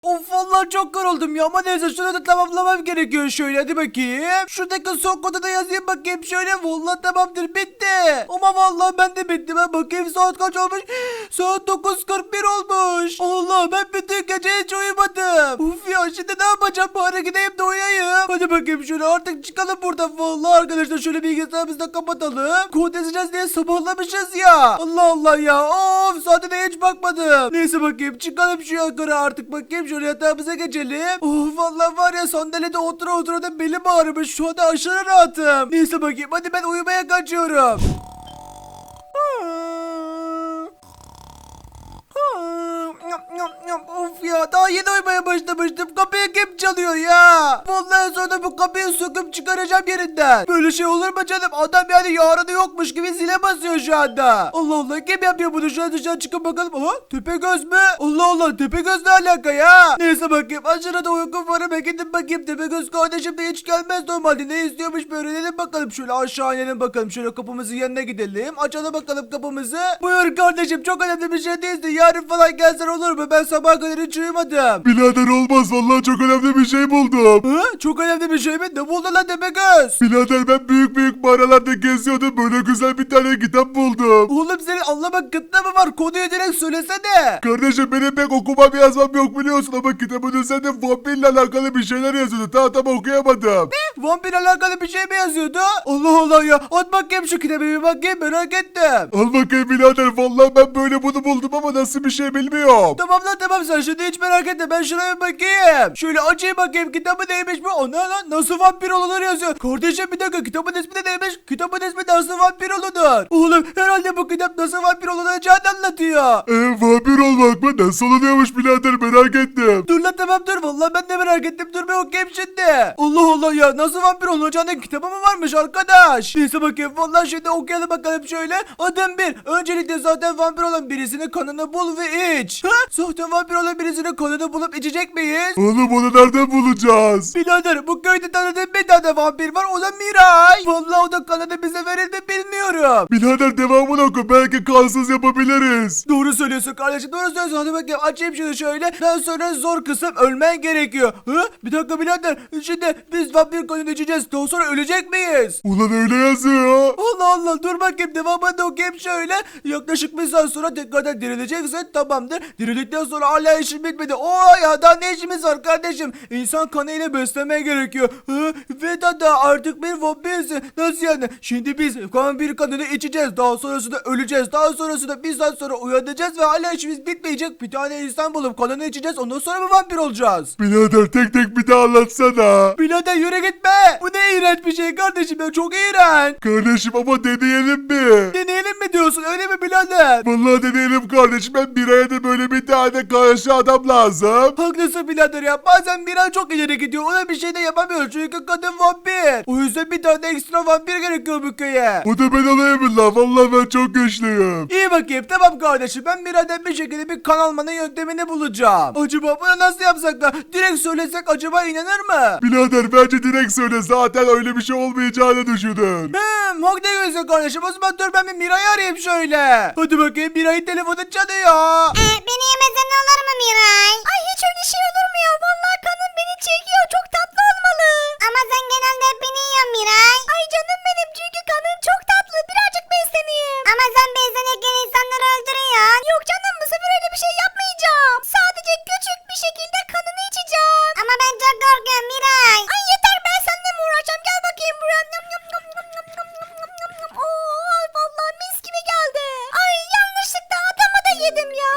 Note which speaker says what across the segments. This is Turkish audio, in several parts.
Speaker 1: Of vallahi çok yoruldum ya ama neyse şunu da tamamlamam gerekiyor şöyle hadi bakayım. Şuradaki son kodu da yazayım bakayım şöyle vallahi tamamdır bitti. Ama vallahi ben de bittim ben bakayım saat kaç olmuş. Saat 9:41 olmuş. Allah ben bütün gece hiç uyumadım. Uf ya şimdi ne yapacağım bari gideyim de uyuyayım. Hadi bakayım şöyle artık çıkalım buradan vallahi arkadaşlar şöyle bilgisayarımızı da kapatalım. Kod yazacağız diye sabahlamışız ya. Allah Allah ya of saate de hiç bakmadım. Neyse bakayım çıkalım şu yukarı artık bakayım şöyle yatağımıza geçelim. Of vallahi var ya sandalyede otura otura da belim ağrımış şu anda aşırı rahatım. Neyse bakayım hadi ben uyumaya kaçıyorum. Of ya daha yeni uyumaya başlamıştım. Kapıyı kim çalıyor ya? Vallahi sonra bu kapıyı söküp çıkaracağım yerinden. Böyle şey olur mu canım? Adam yani yarını yokmuş gibi zile basıyor şu anda. Allah Allah kim yapıyor bunu? Şu an dışarı çıkıp bakalım. Aha Tepegöz mü? Allah Allah Tepegöz ne alaka ya? Neyse bakayım aşırı da uykum var. Ben gidip bakayım Tepegöz kardeşim de hiç gelmez normalde. Ne istiyormuş bir öğrenelim bakalım. Şöyle aşağı inelim bakalım. Şöyle kapımızın yanına gidelim. Açalım bakalım kapımızı. Buyur kardeşim çok önemli bir şey değildi. Yarın falan gelsen olur mu? Ben sabah kadar hiç uyumadım.
Speaker 2: Birader olmaz vallahi çok önemli bir şey buldum.
Speaker 1: Hı? Çok önemli bir şey mi? Ne buldun lan Tepegöz?
Speaker 2: Birader ben büyük mağaralarda geziyordum böyle güzel bir tane kitap buldum.
Speaker 1: Oğlum senin anlamak kıtlığı mı var? Konuyu direkt söylesene.
Speaker 2: Kardeşim benim pek okumam yazmam yok biliyorsun ama kitabın üzerinde vampirle alakalı bir şeyler yazıyordu. Tam okuyamadım.
Speaker 1: Vampir alakalı bir şey mi yazıyordu? Allah Allah ya. At bakayım şu kitabı bir bakayım merak ettim.
Speaker 2: Al bakayım birader vallahi ben böyle bunu buldum ama nasıl bir şey bilmiyorum.
Speaker 1: Tamam lan tamam sen şimdi hiç merak etme ben şuraya bir bakayım. Şöyle açayım bakayım kitabı neymiş bu? O ne lan nasıl vampir olunur yazıyor. Kardeşim bir dakika kitabın ismi de neymiş? Kitabın ismi nasıl vampir olunur? Oğlum herhalde bu kitap nasıl vampir olunacağını anlatıyor.
Speaker 2: Vampir olmak mı? Nasıl oluyormuş birader merak ettim.
Speaker 1: Dur lan tamam dur vallahi ben de merak ettim dur bir okuyayım şimdi. Allah Allah ya nasıl vampir olacağının kitabı mı varmış arkadaş? Neyse bakayım vallahi şimdi okuyalım bakalım şöyle. Adım 1. Öncelikle zaten vampir olan birisinin kanını bul ve iç. Ha? Zaten vampir olan birisinin kanını bulup içecek miyiz?
Speaker 2: Oğlum onu nereden bulacağız?
Speaker 1: Birader bu köyde tanıdığım bir tane vampir var o da Miray. Vallahi o da kanını bize verir mi bilmiyorum.
Speaker 2: Birader devamını oku belki kansız yapabiliriz.
Speaker 1: Doğru söylüyorsun kardeşim doğru söylüyorsun. Hadi bakayım açayım şunu şöyle. Daha sonra zor kısım ölmen gerekiyor. Hı? Bir dakika birader. Şimdi biz vampir kanını içeceğiz. Daha sonra ölecek miyiz?
Speaker 2: Ulan öyle yazıyor.
Speaker 1: Allah Allah dur bakayım devamını da okuyayım şöyle. Yaklaşık bir saat sonra tekrardan dirileceksin tamamdır. Dirildikten sonra hala işim bitmedi. Ya daha ne işimiz var kardeşim? İnsan kanıyla beslemeye gerekiyor. Ve da artık bir vampirsin. Nasıl yani? Şimdi biz vampir kanını içeceğiz. Daha sonrasında öleceğiz. Daha sonrasında bir saat sonra uyanacağız ve hala işimiz bitmeyecek. Bir tane insan bulup kanını içeceğiz. Ondan sonra mı vampir olacağız?
Speaker 2: Birader tek tek bir daha anlatsana.
Speaker 1: Birader yürü gitme. Bu ne iğrenç bir şey kardeşim ya çok iğrenç.
Speaker 2: Kardeşim ama deneyelim mi?
Speaker 1: Deneyelim mi diyorsun öyle mi birader?
Speaker 2: Vallahi deneyelim kardeşim. Ben bir aya da böyle bir tane karşı adam lazım.
Speaker 1: Haklısın birader ya bazen bir an çok ileri gidiyor ona bir şey de yapamıyoruz çünkü kadın vampir. O yüzden bir tane ekstra vampir gerekiyor bu köye.
Speaker 2: O da ben olayım lan. Vallahi ben çok güçlüyüm.
Speaker 1: İyi bakayım tamam kardeşim ben birader bir şekilde bir kan almanın yöntemini bulacağım. Acaba bunu nasıl yapsak da direkt söylesek acaba inanır mı?
Speaker 2: Birader bence direkt söyle. Zaten öyle bir şey olmayacağını düşünün.
Speaker 1: Haklı diyorsun kardeşim o zaman dur ben bir Miray'ı arayayım şöyle. Hadi bakayım Miray'ın telefonu çalıyor.
Speaker 3: Beni yemesen ne olur mu Miray? Ay hiç öyle şey olur mu ya? Vallahi kanın beni çekiyor. Çok tatlı olmalı. Ama sen genelde hep beni yiyorsun Miray. Ay canım benim çünkü kanın çok tatlı. Birazcık besleneyim. Ama sen beslenirken insanları öldürüyorsun. Yok canım bu sefer öyle bir şey yapmayacağım. Sadece küçük bir şekilde kanını içeceğim. Ama ben çok korkuyorum Miray. Ay yeter ben seninle mi uğraşacağım? Gel bakayım buraya. Yum, yum, yum, yum, yum, yum, yum, yum, yum, yum. Oo, vallahi mis gibi geldi. Ay yanlışlıkla adamı da yedim ya.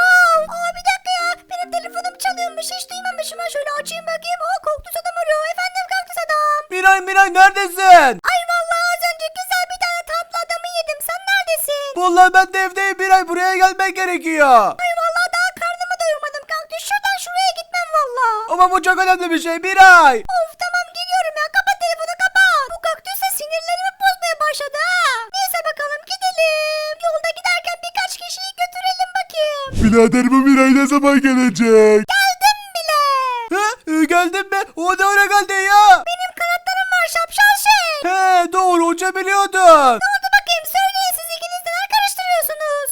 Speaker 3: Bir dakika ya. Benim telefonum çalıyormuş. Hiç duymamışım. Ben şöyle açayım bakayım. Kaktüs adam arıyor. Efendim kaktüs adam.
Speaker 1: Miray neredesin?
Speaker 3: Ay vallahi az önce güzel bir tane tatlı adamı yedim. Sen neredesin?
Speaker 1: Vallahi ben de evdeyim Miray buraya gelmen gerekiyor.
Speaker 3: Ay vallahi daha karnımı doyurmadım kaktüs. Şuradan şuraya gitmem vallahi.
Speaker 1: Ama bu çok önemli bir şey Miray.
Speaker 3: Of tamam geliyorum ya. Kapat telefonu kapat. Bu kaktüs de sinirlerimi bozmaya başladı ha. Neyse bakalım gidelim. Yolda giderken birkaç kişiyi götürelim bakayım.
Speaker 2: Birader bu Miray ne zaman gelecek?
Speaker 3: Geldim bile.
Speaker 1: Geldin mi? O ne ara geldin ya?
Speaker 3: Benim kanatlarım var şapşal şey.
Speaker 1: Doğru uçabiliyordun.
Speaker 3: Ne oldu bakayım söyleyin siz ikiniz neler karıştırıyorsunuz?
Speaker 1: Şey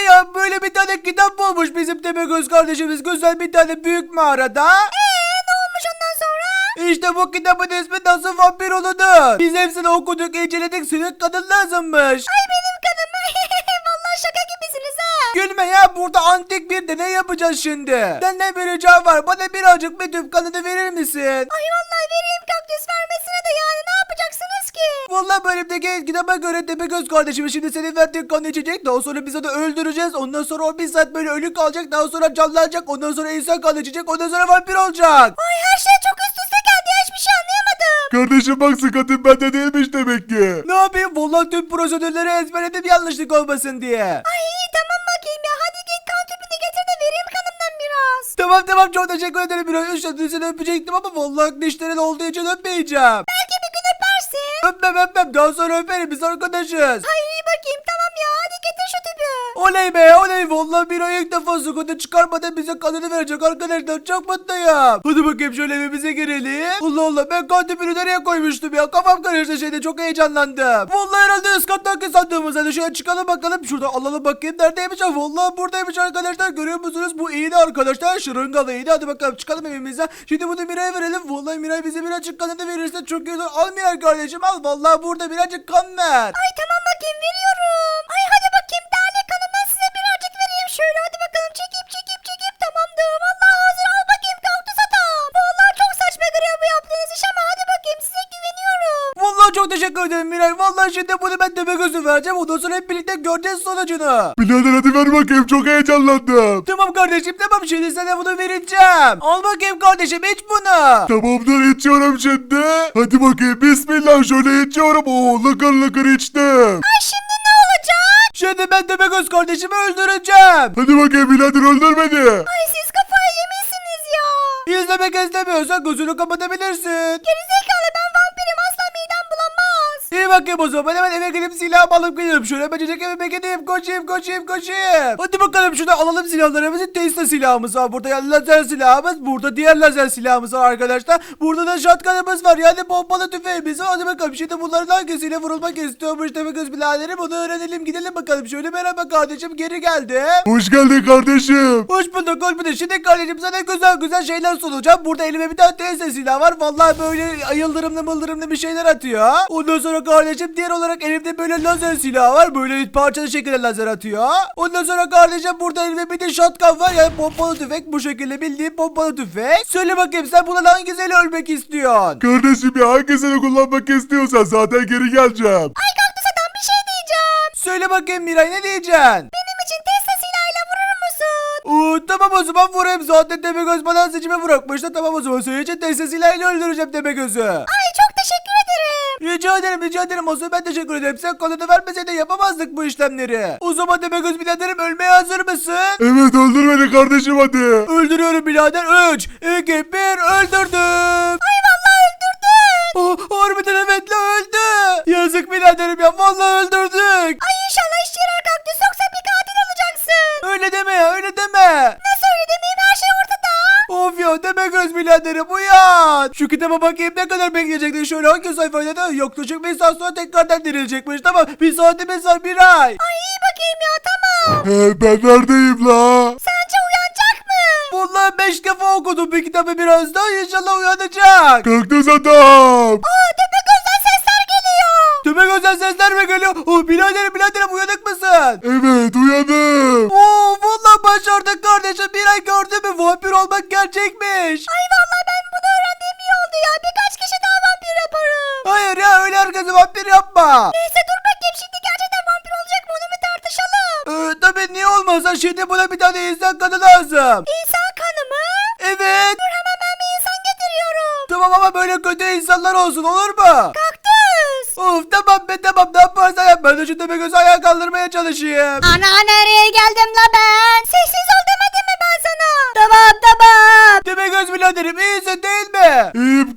Speaker 1: ya böyle bir tane kitap bulmuş bizim Tepegöz kardeşimiz güzel bir tane büyük mağarada.
Speaker 3: Ne olmuş ondan sonra?
Speaker 1: İşte bu kitabın ismi Nasıl Vampir Olunur. Biz hepsini okuduk inceledik senin kadın lazımmış.
Speaker 3: Ay benim kanım. Vallahi şaka gibisiniz ha.
Speaker 1: Gülme ya burada antik bir deney yapacağız şimdi. Senden bir ricam var bana birazcık bir tüp kanını verir misin?
Speaker 3: Ay vallahi vereyim kaktüs vermesine de yani ne yapacaksınız ki?
Speaker 1: Vallahi bölümdeki kitaba göre Tepegöz kardeşimiz şimdi senin verdiğin kanı içecek. Daha sonra biz onu öldüreceğiz. Ondan sonra o bir saat böyle ölü kalacak. Daha sonra canlanacak. Ondan sonra insan kanı içecek. Ondan sonra vampir olacak.
Speaker 3: Ay her şey çok üst üste geldi ya hiçbir şey anlayamadım.
Speaker 2: Kardeşim bak sıkıntın bende değilmiş demek ki.
Speaker 1: Ne yapayım? Vallahi tüm prosedürleri ezberledim yanlışlık olmasın diye.
Speaker 3: Ay iyi tamam bakayım ya hadi git kan tüpünü getir de vereyim kanımdan biraz.
Speaker 1: Tamam çok teşekkür ederim. Biraz seni öpecektim ama vallahi dişlerin olduğu için öpmeyeceğim.
Speaker 3: Belki bir gün öpersin.
Speaker 1: Öpmem. Daha sonra öperim. Biz arkadaşız.
Speaker 3: Ay iyi bakayım tamam ya hadi getir şu tüpü.
Speaker 1: Oley be oley. Vallahi bir ay ilk defa sıkıntı çıkarmadan bize kanını verecek arkadaşlar. Çok mutluyum. Hadi bakayım şöyle evimize girelim. Allah ben kan tüpünü nereye koymuştum ya. Kafam karıştı şeyde çok heyecanlandım. Vallahi herhalde üst kattaki sandığımız. Hadi şöyle çıkalım bakalım. Şurada alalım bakayım. Neredeymiş ha? Vallahi buradaymış arkadaşlar. Görüyor musunuz? Bu iğne arkadaşlar. Şırıngalı iğne. Hadi bakalım çıkalım evimize. Şimdi bunu Miray'a verelim. Vallahi Miray bize birazcık kanını verirse çok iyi olur. Al Miray kardeşim al. Vallahi burada birazcık kan ver.
Speaker 3: Ay tamam bakayım veriyorum. Ay hadi bakayım tane kanından size birazcık vereyim şöyle hadi bakalım çekip tamamdır. Vallahi hazır al bakayım kaktüs adam. Vallahi çok saçma görüyor bu yaptığınız iş ama hadi bakayım size güveniyorum.
Speaker 1: Vallahi çok teşekkür ederim Miray. Vallahi şimdi bunu ben Tepegöz'ü vereceğim. Ondan sonra hep birlikte göreceğiz sonucunu.
Speaker 2: Birader hadi ver bakayım çok heyecanlandım.
Speaker 1: Tamam kardeşim tamam şimdi sana bunu vereceğim. Al bakayım kardeşim iç bunu.
Speaker 2: Tamamdır içiyorum şimdi. Hadi bakayım bismillah şöyle içiyorum. Oo lıkır lıkır içtim.
Speaker 3: Ay şimdi ne olacak?
Speaker 1: Şimdi ben Tepegöz kardeşimi öldüreceğim.
Speaker 2: Hadi bakayım birader öldür beni.
Speaker 3: Ay siz kafayı yemişsiniz ya.
Speaker 1: İzlemek istemiyorsan gözünü kapatabilirsin.
Speaker 3: Gerizekalı ben vampirim asla midem bulanmaz.
Speaker 1: İyi bakayım o zaman hemen eve gidip silahımı alıp geliyorum. Şöyle bececek evime gideyim koşayım. Hadi bakalım şurada alalım silahlarımızı. Tesla silahımız var. Burada yani lazer silahımız. Burada diğer lazer silahımız var arkadaşlar. Burada da shotgun'ımız var. Yani pompalı tüfeğimiz var. Hadi bakalım şimdi bunların hangisiyle vurulmak istiyormuş Tepegöz biraderim. Bunu öğrenelim gidelim bakalım. Şöyle merhaba kardeşim geri geldi.
Speaker 2: Hoş geldin kardeşim.
Speaker 1: Hoş bulduk. Şimdi kardeşim sana güzel şeyler sunacağım. Burada elime bir tane Tesla silah var. Vallahi böyle yıldırımlı bir şeyler atıyor. Ondan sonra kardeşim diğer olarak elimde böyle lazer silah var. Böyle parçalı şekilde lazer atıyor. Ondan sonra kardeşim burada elimde bir de shotgun var. Yani pompalı tüfek. Bu şekilde bildiğin pompalı tüfek. Söyle bakayım sen bundan hangisiyle ölmek istiyorsun?
Speaker 2: Kardeşim ya hangisini kullanmak istiyorsan zaten geri geleceğim.
Speaker 3: Ay kaktüs adam bir şey diyeceğim.
Speaker 1: Söyle bakayım Miray ne diyeceksin?
Speaker 3: Benim için Tesla silahıyla vurur musun?
Speaker 1: Tamam o zaman vurayım. Zaten Tepegöz bana seçime bırakmıştı. Tamam o zaman senin için Tesla silahıyla öldüreceğim Tepegöz'ü.
Speaker 3: Ay çok teşekkür ederim.
Speaker 1: Rica ederim. O zaman ben teşekkür ederim. Sen kanını vermeseydin yapamazdık bu işlemleri. O zaman Tepegöz biraderim ölmeye hazır mısın?
Speaker 2: Evet öldür beni kardeşim hadi.
Speaker 1: Öldürüyorum birader. 3, 2, 1 öldürdüm.
Speaker 3: Ay vallahi öldürdün.
Speaker 1: Harbiden evet la öldü. Yazık biraderim ya vallahi öldürdük.
Speaker 3: Ay inşallah işe yarar kaktüs yoksa bir katil olacaksın.
Speaker 1: Öyle deme ya öyle deme.
Speaker 3: Nasıl öyle demeyeyim her şey ortada.
Speaker 1: Of ya Tepegöz biraderim uyan. Şu kitaba bakayım ne kadar bekleyecektin şöyle hangi sayfayda da yaklaşık bir saat sonra tekrardan dirilecekmiş. Tamam bir saatimiz var bir ay.
Speaker 3: Ay iyi bakayım ya tamam.
Speaker 2: Ben neredeyim la?
Speaker 3: Sence uyanacak mı?
Speaker 1: Vallahi 5 defa okudum bir kitabı biraz daha inşallah uyanacak.
Speaker 2: Kaktüs adam.
Speaker 3: Aa Tepegöz'den sesler geliyor.
Speaker 1: Tepegöz'den sesler mi geliyor? Biraderim uyanık mısın?
Speaker 2: Evet uyandım.
Speaker 1: Vallahi başardık kardeşim. Bir ay gördün mü? Vampir olmak gerçekmiş.
Speaker 3: Ay vallahi ben bunu öğrendiğim iyi oldu ya. Birkaç kişi daha vampir yaparım.
Speaker 1: Hayır ya öyle herkesi vampir yapma.
Speaker 3: Neyse dur bakayım şimdi gerçekten vampir olacak mı onu bir tartışalım.
Speaker 1: Tabii niye olmazsa şimdi buna bir tane insan kanı lazım.
Speaker 3: İnsan kanı mı?
Speaker 1: Evet.
Speaker 3: Dur hemen ben bir insan getiriyorum.
Speaker 1: Tamam ama böyle kötü insanlar olsun olur mu?
Speaker 3: Kaktüs.
Speaker 1: Of tamam ne yaparsan yap. Ben de şu Tepegöz'ü ayağa kaldırmaya çalışayım.
Speaker 3: Ana nereye geldim la ben? Sessiz ol demedim mi ben sana? Tamam.
Speaker 1: Tepegöz biraderim iyisin değil mi?
Speaker 2: İyiyim kaktüs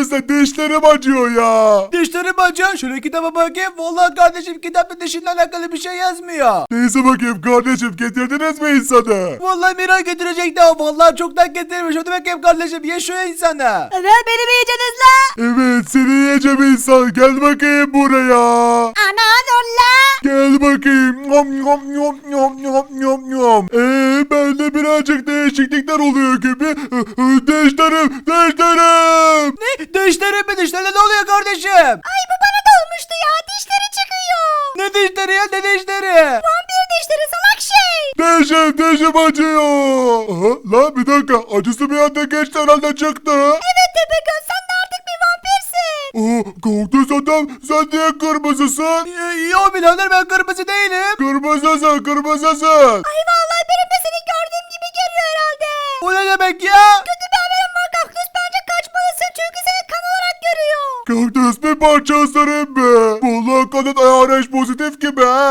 Speaker 2: neyse dişlerim acıyor ya.
Speaker 1: Dişlerim acıyor. Şöyle kitaba bakayım. Vallahi kardeşim kitapta dişinle alakalı bir şey yazmıyor.
Speaker 2: Neyse bakayım kardeşim getirdiniz mi insanı?
Speaker 1: Vallahi Miray getirecekti ama vallahi çoktan getirmiş. Hadi bakayım kardeşim ye şu insanı.
Speaker 3: Evet beni mi yiyeceksiniz la?
Speaker 2: Evet seni yiyeceğim insan gel bakayım buraya.
Speaker 3: Ana dur la.
Speaker 2: Gel bakayım. Nom nom nom nom nom nom nom. Bende birazcık değişiklikler oluyor gibi. Dişlerim.
Speaker 1: Ne? Dişlerim mi? Dişlerine ne oluyor kardeşim?
Speaker 3: Ay bu bana da olmuştu ya. Dişleri çıkıyor.
Speaker 1: Ne dişleri ya? Ne dişleri?
Speaker 3: Vampir dişleri salak şey.
Speaker 2: Dişim acıyor. Aha, lan bir dakika acısı bir anda geçti herhalde çıktı.
Speaker 3: Evet Tepegöz sen de artık bir vampirsin.
Speaker 2: Kaktüs adam sen niye kırmızısın?
Speaker 1: Yo birader ben kırmızı değilim.
Speaker 2: Kırmızısın.
Speaker 3: Ay vallahi benim de seni gördüğüm gibi geliyor herhalde.
Speaker 1: O ne demek ya?
Speaker 3: Kötü bir haberim var Kaktüs bence kaçmalısın çünkü seni kan olarak görüyor.
Speaker 2: Kaktüs bir parça ısırayım mı? Vallahi kanın RH pozitif gibi ha.